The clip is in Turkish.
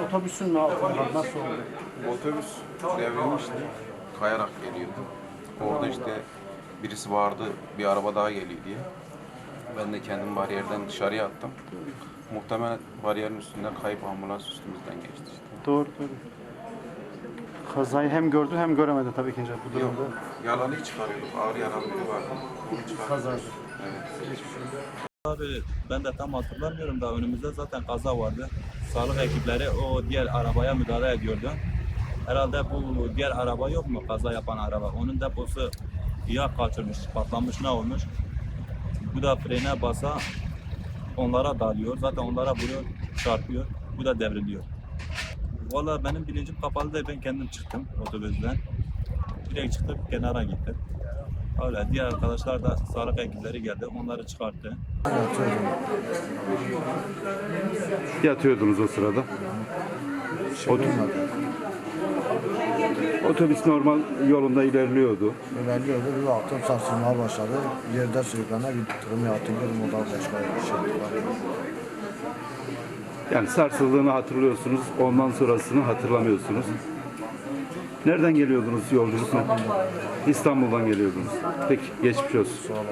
otobüsün mü altında? Nasıl oldu? Otobüs devrilmişti. Kayarak geliyordu. Orada işte birisi vardı, bir araba daha geliyor diye. Ben de kendimi bariyerden dışarıya attım. Muhtemelen bariyerin üstünden kayıp ambulans üstümüzden geçti işte. Doğru. Kazayı hem gördü hem göremedi tabii ikinci bu Yok, durumda. yalanı çıkarıyorduk. Ağır yaralı biri vardı. Onu çıkarıyorduk. Kazaydı. Evet. Abi ben de tam hatırlamıyorum da önümüzde zaten kaza vardı. Sağlık ekipleri o diğer arabaya müdahale ediyordu. Herhalde bu diğer araba yok mu kaza yapan araba? Onun deposu yağ kaçırmış, patlamış ne olmuş? Bu da frene basa onlara dalıyor. Zaten onlara vuruyor, çarpıyor. Bu da devriliyor. Valla benim bilincim kapalı da ben kendim çıktım otobüsten. Direkt çıktım kenara gittim. Öyle diğer arkadaşlar da sağlık ekipleri geldi. Onları çıkarttı. Yatıyordunuz o sırada. Otobüs normal yolunda ilerliyordu. İlerliyordu, bir baktım sarsılmaya başladı. Yerde sürüklene gittim, hatırlıyorum, o da başka bir şey var. Yani sarsıldığını hatırlıyorsunuz, ondan sonrasını hatırlamıyorsunuz. Nereden geliyordunuz yolculukla? İstanbul'dan geliyordunuz. Peki, geçmiş olsun.